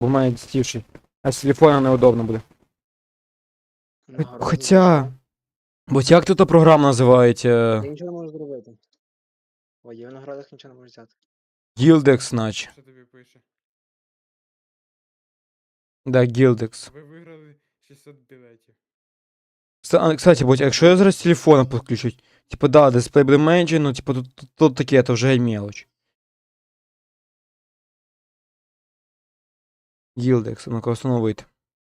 Бо в мене дістівший. А з телефона неудобно буде. Нагороду Хоча. знайшов. Бо як тут програма називається? Ти нічого не можеш зробити. Ой, я в наградах нічого не можу взяти. Gildex, наче. Що тобі пише? Да, Gildex. Ви виграли 600 білетів. Кстати, бо якщо я зараз телефона підключу, типа, да, дисплей буде менше, ну, типа, тут таке, то вже мелочь. Gildex, ну-ка, встановити.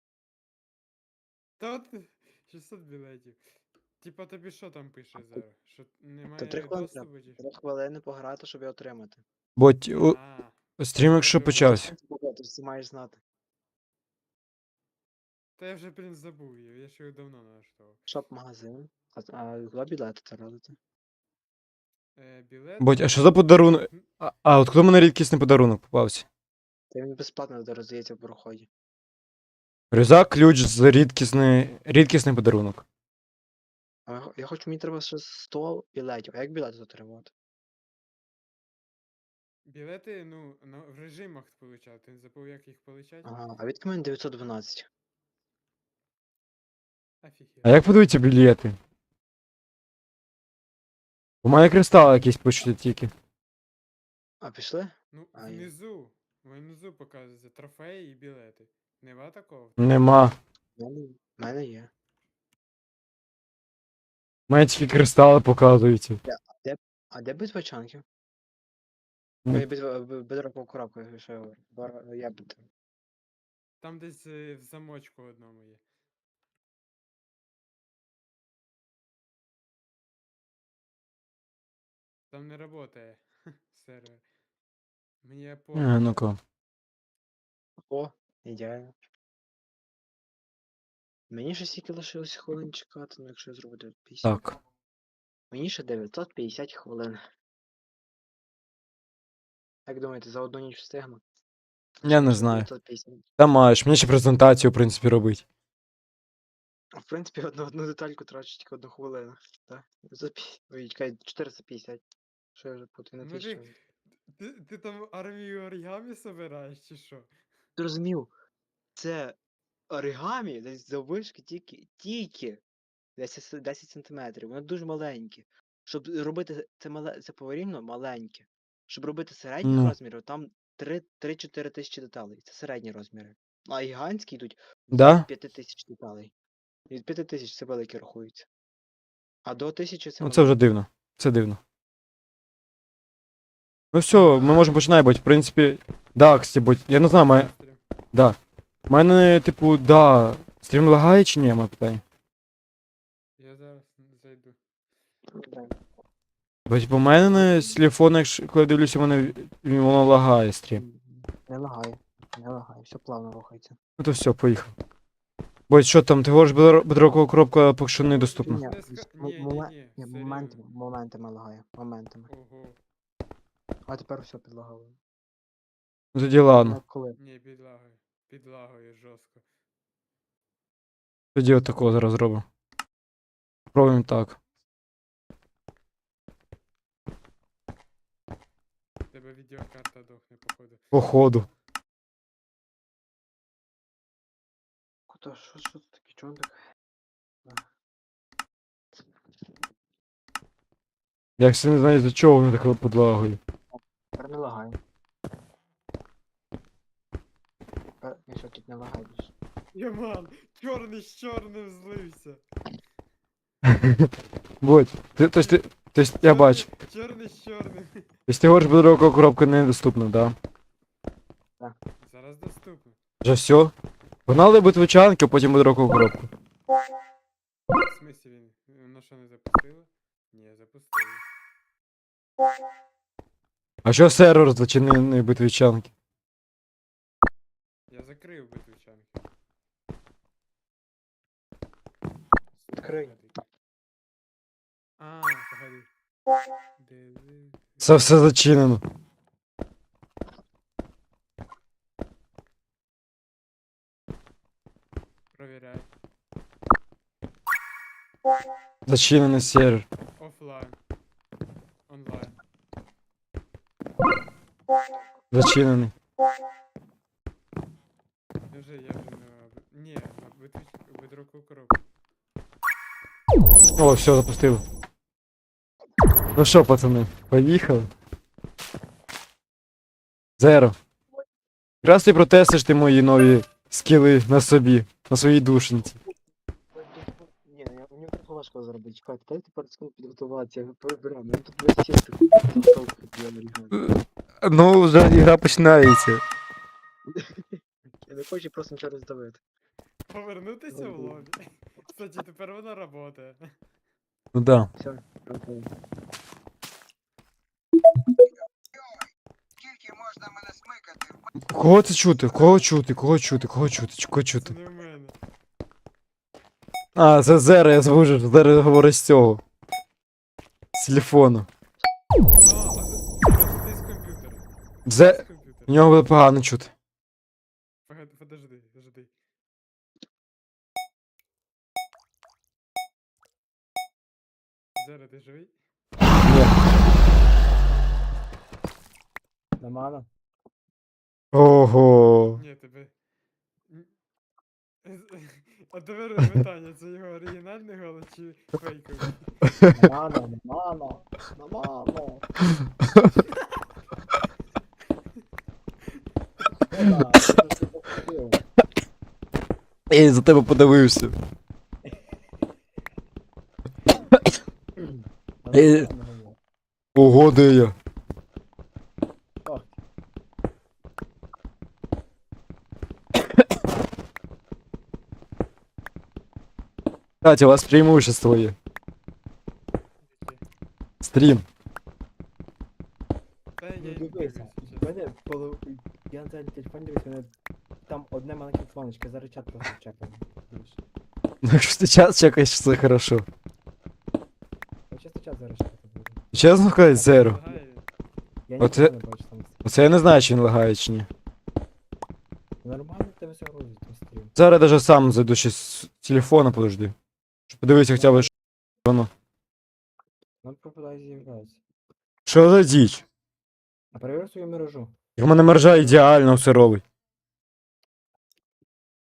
Та от 600 білетів. Типа тобі що там пише зараз? Що Та немає 3 хвилини доступу треба. чи? 3 хвилини пограти, щоб його отримати. Бо стрім, якщо Добре, почався. Ти ж це маєш знати. Та я вже, блін, забув її, я ще його давно налаштував. Шоп-магазин. А куди білети це родити? Білет. Бо, а що за подарунок? От коли мене рідкісний подарунок попався? Та він безплатно роздається в проході. Рюкзак, ключ з рідкісний подарунок. А я хочу, мені треба ще 100 білетів. А як білети отримувати? Білети, ну, в режимах получав, ти не забув, як їх получати? Ага, а відки мене 912. Офігеть. А як подивіться білети? У мене кристали якісь пишуть тільки. А пішли? Ну, А, є. внизу показується трофеї і білети. Нема такого? Нема. В мене є. У мене тільки кристали показуються. А де битва чанків? Ну. Ой, бедрокову коробку, що я говорю. Я б. Там десь в замочку одному є. Там не работає сервер. Мені пофіг. Ну-ка. О, ідеально. Мені ще стільки лишилось хвилин чекати, ну якщо я зроблю 950. Так. Мені ще 950 хвилин. Як думаєте, за одну ніч встигну? Я не Ще знаю. 950. Та маєш, мені ще презентацію, в принципі, робити. А в принципі, одну детальку трачу тільки 1 хвилину. Так? Ой, чекай, 450. Що я вже путаю на Ну 1000. ти там армію оригамі собираєш чи що? Ти розумів, це оригамі десь заввишки тільки 10 сантиметрів. Воно дуже маленьке. Щоб робити це поварівно маленьке. Щоб робити середніх Ну. розмірів, там 3-4 тисячі деталей. Це середні розміри. А гігантські йдуть Да? від 5 тисяч деталей. Від 5 тисяч це великі рахуються. А до 1000 це Ну це вже маленькі. дивно. Це дивно. Ну все, ми можемо починати, бо в принципі. Да, кстати, бо я не знаю, Стрім. да. У мене, типу, да. Стрім лагає чи ні, моє питання? Я зараз зайду. Бо типу, у мене з телефона, якщо коли дивлюся, воно лагає стрім. Не лагає. Не лагає, все плавно рухається. Ну то все, поїхав. Бо що там, ти говориш, бедрокова коробка поки що недоступна. Ні, Ні, ні, моментами лагає. Моментами. Ого. А тепер все підлагало. Ну тоді ладно. Коли? Ні, підлагою. Підлагою жорстко. Тоді отакого зараз зробимо. Пробуємо так. В тебе відеокарта дохне, походу. Походу. Куди? Що це таке? Чого так? Я все не знаю, за чого воно так подлагою. Тепер не лагає. Ні, що тут не лагає більше. Йоман, чорний з чорним злився. Будь. Тобто я бачу. Чорний з чорним. Тобто ти говориш, бедрокова коробка недоступна, да? Зараз доступно. Вже все? Погнали битвичанки, а потім бедрокову коробку. В смислі він? Воно що не запустило? Ні, запустило. А що сервер зачинений битвичанки? Я закрив битвичанки. Відкрий. А, погоди. Це все зачинено. Провіряй. Зачинений сервер. Офлайн. Онлайн. Зачинений. Я вже на... Ні, на видруку коробку. О, все, запустив. Ну що, пацани, поїхали. Зеро. Якраз ти протестиш ти мої нові скіли на собі, на своїй душенці. Ні, мені трохи важко зробити. Чекайте, дайте пару секунд підготуватися, я переберу. Мені тут весь час таку я оригамі. Ну, вже ігра починається. Я не хочу просто нічого роздавити. Повернутися в лобі. Кстати, тепер вона работає. Ну да. Все, окей. Кого це чути? Кого чути? Кого чути? Кого чути? Кого Це чути? не в мене. А, це Зеро, я звужу. Зеро говорить з цього. З телефону. А ти з комп'ютера. Зе... З комп'ютера. У нього буде погано чути. Подожди. Зера, ти живий? Ні. Нормально? Ого. Ні, тебе. А тепер питання, це його оригінальний голос чи фейковий? Нормально. Я за тебе подивився. Ого, де я? Кстати, у вас преимущество є. Яке? Стрім. Та я Ну не дивися, дивлюсь, в чесно. мене я на цей телефон дивлюсь, мене там одне маленьке фланочка, зараз чат просто чекаю. Ну, якщо ти час чекаєш, це хорошо. Я чисто чат зараз чекати буду. Чесно сказати, Зеро. Лагає. Я Оце- нічого не бачу там. Оце я не знаю, чи він лагає чи ні. Нормально в тебе все грузить на стрім. Зараз я даже сам зайду ще з телефона, подожди. Щоб подивитися хоча б, що воно. Ну пропадає з'являється. Що за діч? А перевір свою мережу. Як в мене мережа ідеально все робить.